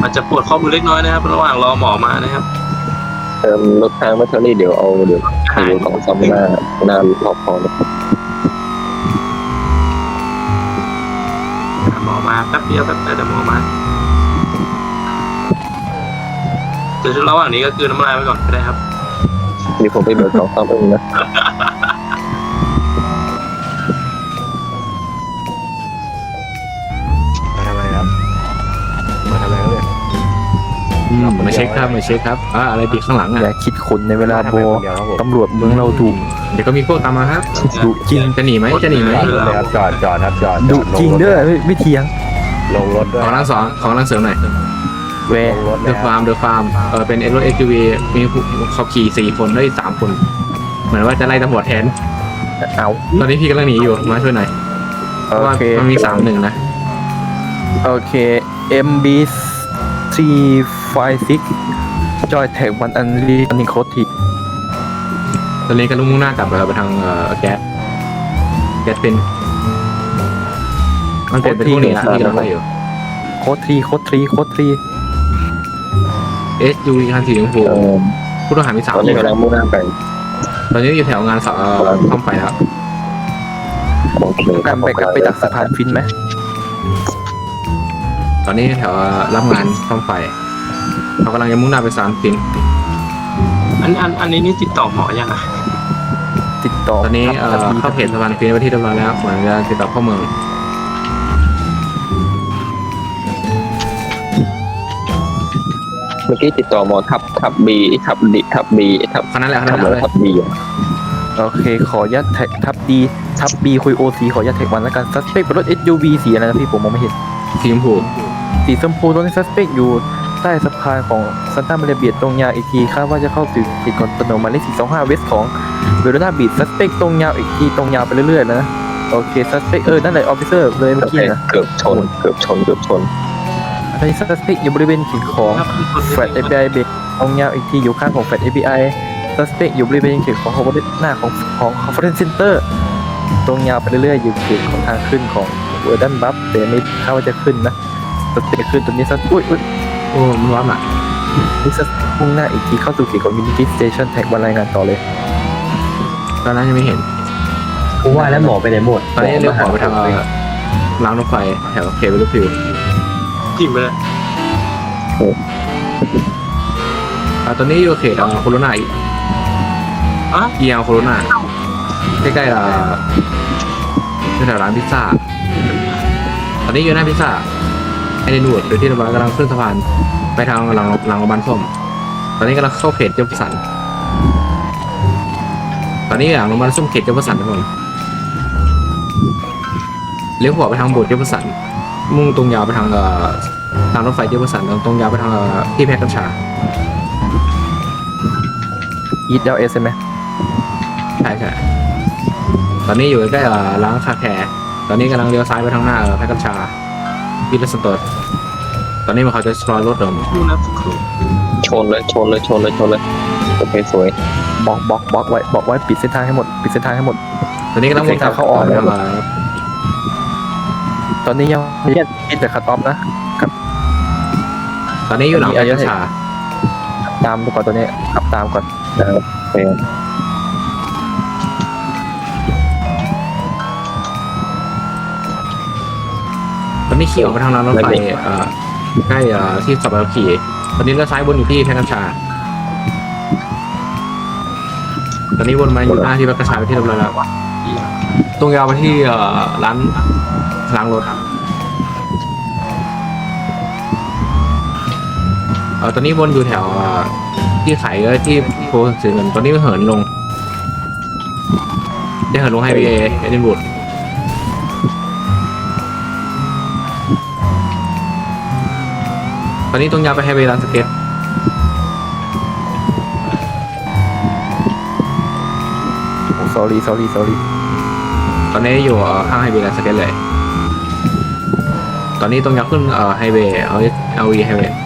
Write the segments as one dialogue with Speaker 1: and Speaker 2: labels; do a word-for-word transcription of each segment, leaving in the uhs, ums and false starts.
Speaker 1: อาจจะปวดข้อมือเล็กน้อยนะครับระหว่างรอหมอมานะครับ
Speaker 2: เติมรถทางแบตเตอรี่เดี๋ยวเอาเดี๋ยวไปดูของซ่อมหน้าหน้ารอบพอเลย
Speaker 1: หมอมาแป๊บเดียวแป๊บเดียวเดี๋ยวหมอมาเดี๋ยวระหว่างนี้ก็คือน้ำลายไปก่อนก็ได้ครับ
Speaker 2: เดี๋ยวผมไปเบิกของซ่อมเองนะ
Speaker 3: มาทำอะไรครับมาทำอะไรครับเนี่ย
Speaker 4: อืมมาเช็คครับมาเช็คครับอ่าอะไรติดข้างหลัง
Speaker 5: อย่า
Speaker 4: อ่ะ
Speaker 5: คิดขนในเวลาโบ
Speaker 3: มทำอะไรคนเดียวครับผม
Speaker 5: ตำรวจเมืองเราดุ
Speaker 4: เดี๋ยวก็มีพวกตามมาครับ
Speaker 5: ดุจริง
Speaker 4: จะหนีไหมจะหนีไหม
Speaker 3: จอดรถเลยครับจอดจอดครับจอด
Speaker 5: ดุ
Speaker 3: อล
Speaker 5: จริง
Speaker 3: ถ
Speaker 5: เด้อไม่ไม่เถียง
Speaker 3: ลงรถด้วย
Speaker 4: ของร่างสองของร่างเสริมหน่อย
Speaker 5: แว
Speaker 3: ลงรถ
Speaker 4: เด
Speaker 3: นะ
Speaker 4: อะ
Speaker 3: ค
Speaker 4: ฟา
Speaker 3: รับ
Speaker 4: ร์มเดอะฟาร์มเออเป็นเอสรถเอ็กซ์ทีวีมีผู้ขับขี่สี่คนได้สามคน เหมือนว่าจะไล่ตำรวจแทน
Speaker 5: เอา
Speaker 4: ตอนนี้พี่กำลังหนีอยู่มาช่วยหน่อยเพ
Speaker 5: โอ
Speaker 4: ราะว่า
Speaker 5: เค
Speaker 4: มันมีสามหนึ่งนะ
Speaker 5: โอเค เอ็ม บี ซี ไฟว์ ซิกซ์ จอยแท็กวันอันรีนิโคที
Speaker 4: ตอนนี้ก็ลุ่งมุ่งหน้ากลับไปทางเอ่อแก๊สแก๊สเป็นมันเป็นเป็นพวกนี้นะที่กำลังไล่อยู่
Speaker 5: โคตรทรีโคตรทรีโคตรทรี
Speaker 4: เอสยูวีคันสีชมพู
Speaker 2: เออ
Speaker 4: ผู้ต้องหามีสาม
Speaker 2: ตอน
Speaker 4: ค
Speaker 2: นี้
Speaker 4: น
Speaker 2: กำลังมุ่งหน้าไป
Speaker 4: ตอนนี้อยู่แถวงานสเอ่อซ่อมไฟแล้ว
Speaker 2: โอเค
Speaker 5: การไปกลับไปดักสะพานฟินไหม
Speaker 4: ตอนนี้แถวรับงานซ่อมไฟเขากำลังจะมุ่งหน้าไปสามฟิน
Speaker 1: อันอันอันนี้นี่ติดต่อหมอยังอ่ะ
Speaker 5: ติดต่อ
Speaker 4: ตอนนี้เอ่อเข้าเพจสะพานฟินไปที่เรียบร้อยแล้วเหมือนจะติดต่อเข้าเมือง
Speaker 2: เมื่อกี้ติดต่อหมอทับทับบีทับดีทับบีทับ
Speaker 4: คณะแหละคณะ
Speaker 2: ทับ
Speaker 4: แห
Speaker 2: อะ
Speaker 4: ละ
Speaker 2: ไร
Speaker 4: เลย
Speaker 2: ทับบี
Speaker 5: โอเค ขอยัดแท็กทับดีทับบีคุยโอซีขอยัดแท็กวันแล้วกันซัสเปกเป็นรถ เอส ยู วี สีอะไรนะพี่ผมมองไม่เห็น
Speaker 4: สีชมพู
Speaker 5: สีชมพูตรงนี้ซัสเปกอยู่ใต้สะพานของซันต้ามาเรเบียตรงยาวอีกทีคาดว่าจะเข้าสู่ติดคอนโดหมายเลขสี่สองห้าเวสของเวโรนาบีดซัสเปกตรงยาวอีกทีตรงยาวไปเรื่อยๆแล้วนะโอเคซัสเปกเออนั่นแหละออฟฟิเซอร์เลยเมื่อกี้นะ
Speaker 2: เกือบชนเกือบชนเกือบชน
Speaker 5: ตอนนี้ซัสเปกอยู่บริเวณขีดของแฟลต เอ พี ไอ เบรกตรงยาวอีกทีอยู่ข้างของแฟลต เอ พี ไอ ซัสเปกอยู่บริเวณขีดของคอมโพเนต์หน้าของของคอนเฟอเรนซ์เซ็นเตอร์ตรงยาวไปเรื่อยๆอยู่ขีดของทางขึ้นของเวอร์ดันบัฟแต่ไม่คาดว่าจะขึ้นนะซัสเปกขึ้นตรงนี้ซัสอุ้ยอุ้ย
Speaker 4: โอ้มันร้อนอ่ะ
Speaker 5: นี่จะมุ่งหน้าอีกทีเข้าสู่ขีดของ Unity Station แท็กวันรายงานต่อเลย
Speaker 4: ตอนนั้นยังไม่เห็น
Speaker 6: กูว่าแล้วหมอไปไหนหมด
Speaker 4: ตอนนี้เลี้ยวขวาไปทางเอ่อรางรถไฟแถวเคเบิลฟิว
Speaker 1: จิ้มไปเลย
Speaker 4: อ่าตอนนี้อยู่เขตเอ่อโคโรนาอีก
Speaker 1: อ่ะ
Speaker 4: เอียโคโรนาใกล้ๆเอ่อแถวร้านพิซซ่า ตอนนี้อยู่หน้าพิซซ่าไอเดนวูดหรือที่เรากำลังขึ้นสะพานไปทางหลังหลังโรงพยาบาลส้ม ตอนนี้กำลังเข้าเขตเจ้าพระสัน ตอนนี้หลังโรงพยาบาลส้มเขตเจ้าพระสันทุกคนเลี้ยวขวาไปทางโบสถ์เจ้าพระสัน มุ่งตรงยาวไปทางเอ่อทางรถไฟเจ้าพระสันตรงยาวไปทางเอ่อที่แพร่กัญชา
Speaker 5: อีทเอลเอสใช่ไหม
Speaker 4: ใช่ใช่ตอนนี้อยู่ใกล้ๆเอ่อร้านคาแคร์ตอนนี้กำลังเลี้ยวซ้ายไปทางหน้าเอ่อแพร่กัญชาวิลเลสตอร์ตอนนี้มันเขาจะสปอยรถเดิม
Speaker 1: ดูนะสักครู่
Speaker 2: ชนเลยชนเลยชนเลยชนเลยโอเคสวย
Speaker 5: บล็อกบล็อกบล็อกไว้บล็อกไว้ปิดเส้นทางให้หมดปิดเส้นทางให้หมด
Speaker 4: ตอนนี้กำลังวนกลับ
Speaker 5: เข้าออก
Speaker 4: ไปทางเอ่อ
Speaker 5: ตอนนี้ยังไม่ได้ปิดแต่คัตออฟนะ
Speaker 4: ตอนนี้อยู่หลังแพร่กัญชา
Speaker 5: ตามไปก่อนตัวนี้ขับตามก่อน
Speaker 2: นะครับโอเค
Speaker 4: ตอนนี้ขี่ออกไปทางรางรถไฟเอ่อใกล้เอ่อที่สับปะรดขี่ตอนนี้เลี้ยวซ้ายวนอยู่ที่แพร่กัญชา ตอนนี้วนมาอยู่หน้าที่แพร่กัญชาไปที่เรียบร้อยแล้วตรงยาวไปที่เอ่อร้านล้างรถเอ่อตอนนี้วนอยู่แถวเอ่อที่ขายเอ่อที่โพสต์สื่อเงินตอนนี้เหินลงได้เหินลงไฮเวย์เอดินบูดตอนนี้ตรงยาวไปไฮเวย์ร้านสเก็ต
Speaker 5: โอ้ sorry sorry sorry
Speaker 4: ตอนนี้อยู่เอ่อข้างไฮเวย์ร้านสเก็ตเลย ตอนนี้ตรงยาวขึ้นเอ่อไฮเวย์เอาเอาวีไฮเวย์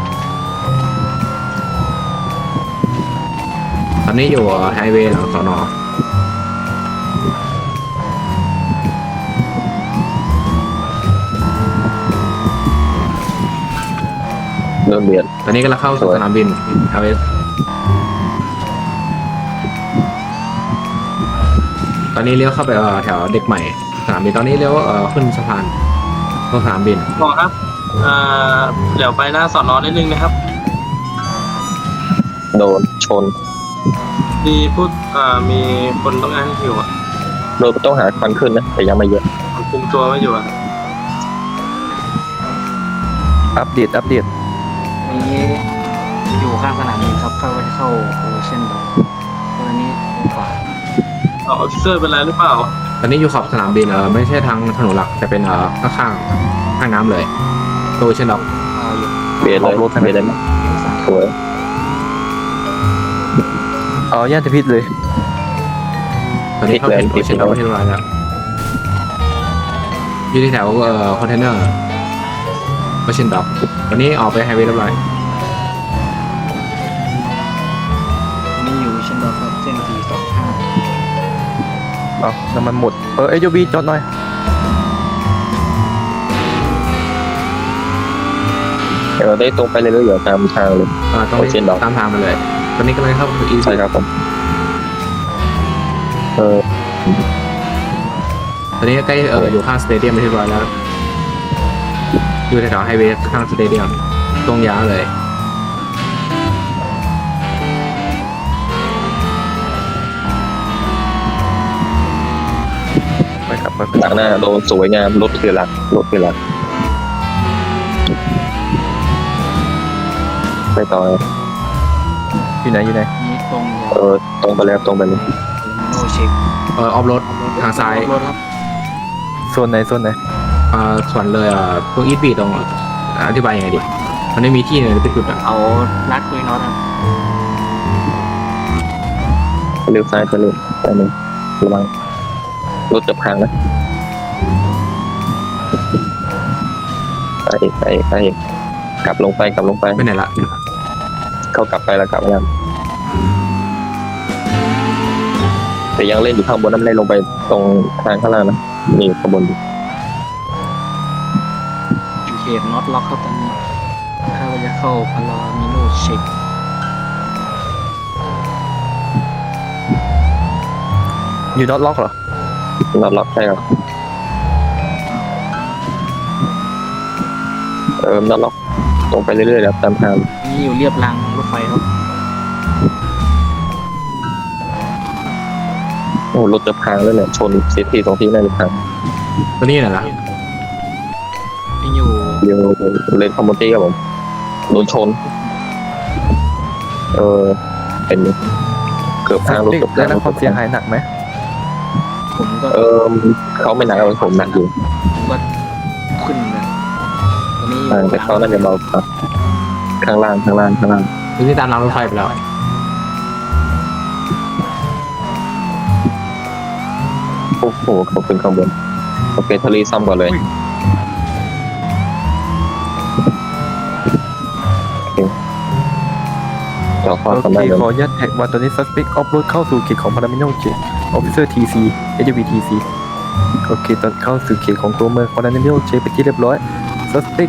Speaker 4: ตอนนี้อยู่ไฮเวย์หลังสอนอ
Speaker 2: โดนเบียด
Speaker 4: ตอนนี้ก็เราเข้าสู่สนามบินเอลเอสตอนนี้เลี้ยวเข้าไปเอ่อแถวเด็กใหม่สนามบินตอนนี้เลี้ยวเอ่อขึ้นสะพานตรงสนามบิน
Speaker 1: หมอครับอ่าเดี๋ยวไปหน้าสอนอนิดนึงนะครับ
Speaker 2: โดนชน
Speaker 1: มีพูดอ่ามีคนต้องการให้อยู่อ่ะ
Speaker 2: โดนต้องหาควันขึ้นนะแต่ยังไม่เยอะ
Speaker 1: มันคุมตัวไม่อยู่อ่ะ
Speaker 5: อัปเดตอัปเดต
Speaker 7: นี้อยู่ข้างสนามบินครับเข้าไปเข้าโอเชียนดอกตัวนี้ขวา
Speaker 1: ออฟฟิเซอร์เป็นไรหรือเปล่า
Speaker 4: ตอนนี้อยู่ขอบสนามบินเออไม่ใช่ทางถนนหลักแต่เป็นเออข้างๆข้างน้ำเลยตัวเช่นดอก
Speaker 7: อ่าอยู่
Speaker 2: เบียดเลยเบียดเลยนะสวย
Speaker 5: เอาย่านจะพิษเลย
Speaker 4: ตอนนี้เข้าถึงตัวเช่นดอกที่เรียบร้อยแล้วอยู่ที่แถวเอ่อคอนเทนเนอร์ตัวเช่นดอกตอนนี้ออกไปไฮเวย์เรียบร้อย
Speaker 7: นี่อยู่เชียนดอกครับเส้นสี่สองห้า
Speaker 5: เอาน้ำมันหมดเออเอยูบีจอดหน่อย
Speaker 2: เดี๋ยวเราได้ตรงไปเรื่อยๆอยู่ตามทางเลย
Speaker 4: เออต้อง
Speaker 2: ตัวเช่นดอก
Speaker 4: ตามทางมาเลย ตอนนี้กำลังเข้าสู่อี
Speaker 2: ใช่ครับผมเออ
Speaker 4: ตอนนี้ใกล้เอออยู่ข้างสเตเดียมเรียบร้อยแล้วอยู่แถวไฮเวย์ข้างสเตเดียมตรงยาวเลย
Speaker 5: ไปครับไป
Speaker 2: หลังหน้าโดนสวยงามรถคือหลักรถคือหลักไปต่อ
Speaker 5: อยู่ไหนอยู่ไหน
Speaker 7: นี้ตรงยา
Speaker 2: เอ
Speaker 7: ว
Speaker 2: อตรงไปแล้วตรงไปเลย
Speaker 7: โนเช็ค
Speaker 4: เออออฟโรดทางซ้าย
Speaker 7: รถครับ
Speaker 5: โซนไหนโซนไหน
Speaker 4: เอ่อส่วนเลยเอ่อตรงอีทบีตรงอธิบายยังไงดีมันไม่มีที่เลยเป็นจุดอ่ะ
Speaker 7: เอาลัดคุยน็อตครับ
Speaker 2: เลี้ยวซ้ายไปเลยไปเลยระวังรถจะพังนะไปอีกไปอีกไปอีกกลับลงไปกลับลงไป
Speaker 4: ไปไหนละ
Speaker 2: เขากลับไปแล้วกลับมาแล้วแต่ยังเล่นอยู่ข้างบนน้ำเล่นลงไปตรงทางข้างล่างนะนี่ข้างบนอยู่
Speaker 7: อยู่เขตน็อตล็อกครับตอนนี้ถ้าว่าจะเข้าพารามิโนเช็ค
Speaker 5: อยู่น็อตล็อกเหรอ
Speaker 2: นอนล็อกใช่ครับเออนอนล็อกตรงไปเรื่อยๆครับตามทาง
Speaker 7: นี่อยู่เรียบรางรถไฟครับ
Speaker 2: โอ้รถจะพังแล้วเนี่ยชนเสียทีสองทีน่าจะพัง
Speaker 4: ตอนนี้ไหนละ
Speaker 7: นี่อยู่
Speaker 2: เดี๋ยวเลนคอมมอนตี้ครับผมโดนชน เออเป็นเกือบพังรถเกือบพั
Speaker 5: ได้
Speaker 2: ง
Speaker 5: รับความเสียหายหนักไหม
Speaker 7: ผมก็
Speaker 2: เออเขาไม่หนักเอาผมหนักอยู่
Speaker 7: ผมก็ขึ้นเลยตอนนี้อ
Speaker 2: อ่า
Speaker 7: ยู่
Speaker 2: แต่เขาน่าจะเบาครับข้างล่างข้างล่างข้างล่าง
Speaker 4: ตอนนี้ตามรางรถไฟไปแล้ว
Speaker 2: โอ้โหเขาขึ้นข้างบนโอเคทะเลซ้ำก่อนเลยโอเคจอดข้อ
Speaker 5: โอ
Speaker 2: ทำ
Speaker 5: เค
Speaker 2: ได้เลย
Speaker 5: ขออนุญาตแท็กว่าตอนนี้ suspect off road เข้าสู่เขตของ Paramino Check Officer ที ซี เอ ยู บี ที ซี โอเคตอนเข้าสู่เขตของตัวเมือง Paramino Check ไปที่เรียบร้อย suspect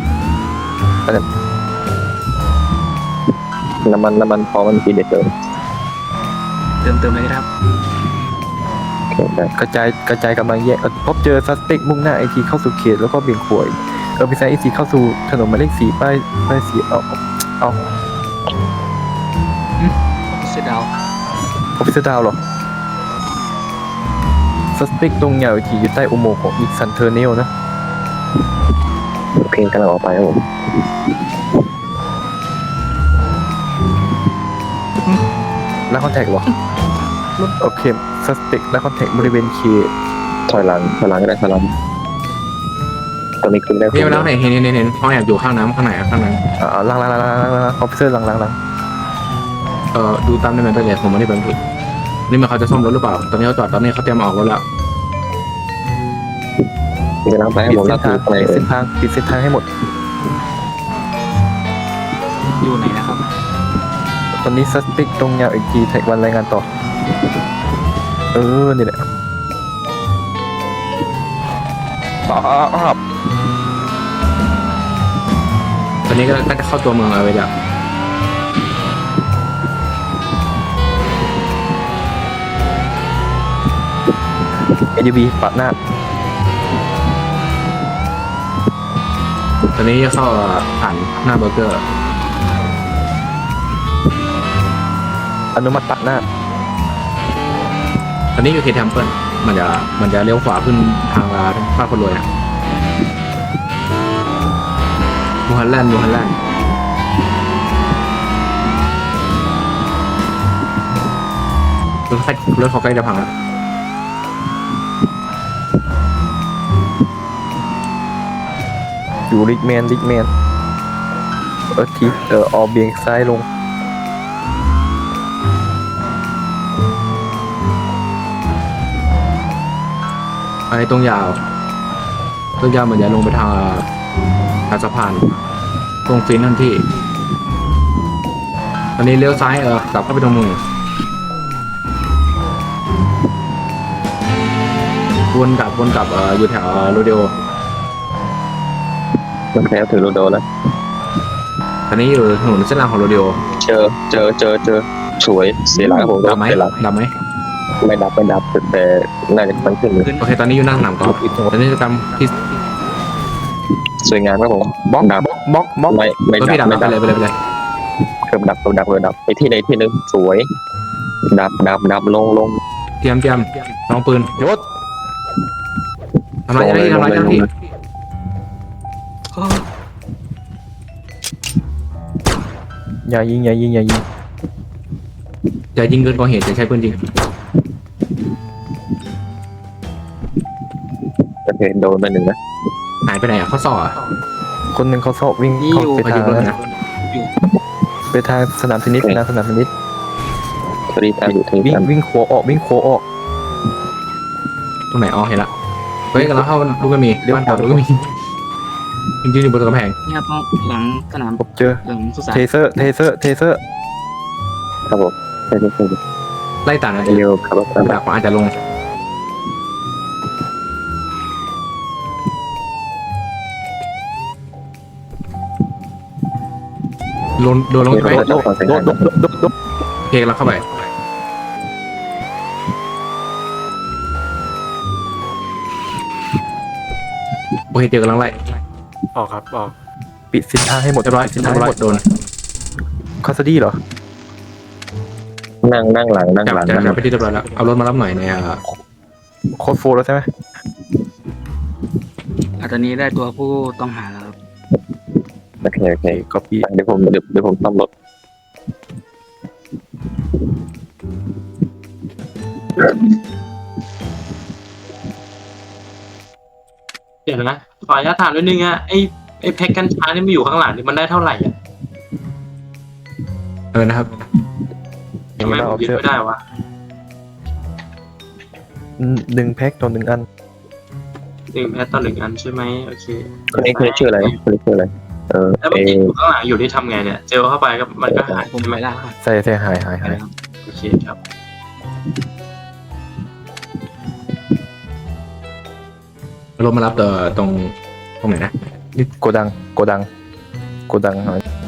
Speaker 2: น้ำมันน้ำมันพอมันกินเด็ดเลย
Speaker 7: เติมเติมเลยครับ
Speaker 2: โอเคได้
Speaker 5: กระจายกระจายกำลังแยกพบเจอ suspect มุ่งหน้าไอทีเข้าสู่เขตแล้วก็เบี่ยงขวายเออพิซซ่าไอซีเข้าสู่ถนนหมายเลขสี่ป้ายป้ายสีเอาเอา
Speaker 7: เสดาว
Speaker 5: ออฟฟิเซอร์ดาวเหรอ suspect ตรงเหยาอีกทีอยู่ใต้อุโมงค์ของอีกซันเทอร์เนลนะ
Speaker 2: โอเคกำลังออกไปครับผม
Speaker 5: แล้วคอนแทคเหรอโอเค suspect แล้วคอนแทคบริเวณเขต
Speaker 2: ถอยหลังถอยหลังก็ได้ถอยหลังตอนนี้ขึ้นได้
Speaker 4: นี่มาแล้วไหนเห็นเห็นเห็นเห็นห้องแอบอยู่ข้างน้ำข้างไหนอะข้างนั้น
Speaker 5: อ่าหลังหลังหลังหลังหลังหลังออฟฟิเซอร์หลังหลังหลัง
Speaker 4: เออดูตามได้ไหมไปเลยผมไม่ได้บันทึกนี่มันเขาจะซ่อมรถหรือเปล่าตอนนี้เขาจอดตอนนี้เขาเตรียมออกรถแล้ว
Speaker 2: กำลังไปให้
Speaker 5: ปิด
Speaker 2: ผม
Speaker 5: เส้
Speaker 2: รั
Speaker 5: น
Speaker 2: บ
Speaker 5: ทาง
Speaker 2: ไป
Speaker 5: ปิดเส้นทางปิดเส้นทางให้หมด
Speaker 7: อยู่ไหนนะครับ
Speaker 5: ตอนนี้ suspect ตรงเหยาอีกทีแท็กวันรายงานต่อ เออนี่แหละปอบ
Speaker 4: ตอนนี้ก็ก็จะเข้าตัวเมืองเอาไว้แล้ว
Speaker 5: เอ ยู บี ปัดหน้า
Speaker 4: ตอนนี้จะเข้าผ่านหน้าเบอร์เกอร์
Speaker 5: อนุมัติปัดหน้า
Speaker 4: ตอนนี้อยู่เคทมเปิลมันจะมันจะเลี้ยวขวาขึ้นทางบ้านคนรวยนะมูฮันแลนด์มูฮันแลนด์รถไฟรถเขาใกล้จะพังแล้ว
Speaker 5: อยู่ริกแมนริกแมนเออทีเออออกเบี่ยงซ้ายลง
Speaker 4: ไอ้ตรงยาวตรงยาวเหมือนจะลงไปทางทางสะพานตรงฟินทันที่ตอนนี้เลี้ยวซ้ายเออกลับเข้าไปตรงเมืองวนกลับวนกลับเอออยู่แถวโรเดโอ
Speaker 2: มันแพ้ถือโรโดแล้ว
Speaker 4: ตอนนี้อยู่ถนนเส้นรางของโรเดโอ
Speaker 2: เจอเจอเจอเจอสวยเสียหลักครับผม
Speaker 4: ดับไหม
Speaker 2: เสียหลัก
Speaker 4: ดับไหม
Speaker 2: ไม่ดับไม่ดับแต่น่าจะมันขึ้นเลย
Speaker 4: โอเคตอนนี้อยู่หน้าสนามกอล์ฟตอนนี้จะทำที่
Speaker 2: สวยงามครับผม
Speaker 5: บล็อก
Speaker 2: ดับบ
Speaker 5: ล็อกบล็อก
Speaker 2: ไม่ไม่
Speaker 4: รถ
Speaker 2: ดั
Speaker 4: พี่
Speaker 2: บ
Speaker 4: ดับ
Speaker 2: ไม่
Speaker 4: ไป
Speaker 2: ดับ
Speaker 4: เลยไปเลยไปเลย
Speaker 2: เกือบดับเกือบดับเกือบดับไปที่ใดที่หนึ่งสวย ดับดับดับลงลง
Speaker 4: เตรียมเตรียมลองปืน
Speaker 5: ยศ
Speaker 4: ทำลายเจ้าหน้าที่ทำลายเจ้าหน้าที่
Speaker 5: อย่ายิงอย่ายิงอย่ายิง
Speaker 4: อย่ายิงเกินกว่าเหตุจะใช้ปืนจริง
Speaker 2: โอเคโดนไปหนึ่งนะ
Speaker 4: หายไปไหนอ่ะเขาสออ่ะ
Speaker 5: คนหนึ่งเขาสอบวิ่ง
Speaker 7: นี่
Speaker 5: เข้า
Speaker 7: อยู่
Speaker 5: ไป
Speaker 4: เขา
Speaker 5: ทา
Speaker 4: ยิ
Speaker 5: ง
Speaker 4: งรถ
Speaker 5: นั้น
Speaker 4: นะ
Speaker 5: ไปทางสนามเทนนิสไปทางสนามเทนนิส
Speaker 2: ทรีตามอยู่ทรี
Speaker 5: วิ่ง
Speaker 2: ตาม
Speaker 5: วิ่งขวาออกวิ่งขวาออก
Speaker 4: ตรงไหนอ๋อเห็นละเฮ้ยกันแล้วเข้าลูกก็มีบ้านเก่าลูกก็มีจริงๆอยู่บนกำแพง
Speaker 7: เนี่ยต้องหลังสนาม
Speaker 5: ผมเจอ
Speaker 7: หลังสุสาน
Speaker 5: เทเซอร์เทเซอร์เทเซอร์
Speaker 2: ครับผมใช่ใช่ใช่
Speaker 4: ไล่ตามนะ
Speaker 2: เร็วครับผม
Speaker 4: ดักอาจจะลงโดนโดนลงไป
Speaker 5: โดดโดดโดดโดดโดดโดดโดด
Speaker 4: โอเคเราเข้าไปโอเคเจอกำลังไล่
Speaker 3: ออกครับออก
Speaker 5: ปิดสินทางให้หมด
Speaker 4: เรียบร้อย
Speaker 5: ปิดสิน
Speaker 4: เรี
Speaker 5: ทาง
Speaker 4: ยบ
Speaker 5: ให้
Speaker 4: ร้อ
Speaker 5: ห
Speaker 4: ย
Speaker 5: มด
Speaker 4: โดน
Speaker 5: คาสดี้เหรอ
Speaker 2: นั่งนั่งหลังนั่ง
Speaker 4: จับ
Speaker 2: หลัง
Speaker 4: จับ
Speaker 2: นั่ง
Speaker 4: จับไปที่เรียบร้อยแล้วเอารถมารับหน่อยในอ่า
Speaker 5: โคดโฟร์แล้วใช่ไหม
Speaker 7: อ่ะตอนนี้ได้ตัวผู้ต้องหาแล้วครับ
Speaker 2: โอเคโอเค
Speaker 5: ก็ปี
Speaker 2: เดี๋ยวผมเดี๋ยวเดี๋ยวผมซ่อมรถ
Speaker 1: เดี๋ยวนะขออนุญาตถามนิดนึงอะไอ้ไอ้แพ็กกัญชานี่มันอยู่ข้างหลังนี่มันได้เท่าไหร่อะ
Speaker 4: เออนะครับ
Speaker 1: ทำไมผมยึดไม่ได้วะ
Speaker 5: หนึ่งแพ็คต่อหนึ่งอัน
Speaker 1: หนึ่งแพ็คต่อหนึ่งอันใช่ไหมโอเค
Speaker 2: คนนี้คนนี้ชื่ออะไรคนนี้ชื่ออะไรเออ
Speaker 1: แล้ว
Speaker 2: เอ
Speaker 1: มันติดอยู่ข้างหลังอยู่ที่ทำไงเนี่ยเจลเข้าไปก็มันก็หาย
Speaker 7: ผม
Speaker 1: ใช่ไหม
Speaker 7: ไปได้ครับ
Speaker 5: ใส่ใส่หายหาย
Speaker 7: ไป
Speaker 5: หาย
Speaker 7: แล้วครับ
Speaker 1: โอเคครับ
Speaker 4: เอารถมารับเอ่อตรงตรงไหนนะ
Speaker 5: โกดังโกดังโกดังหาย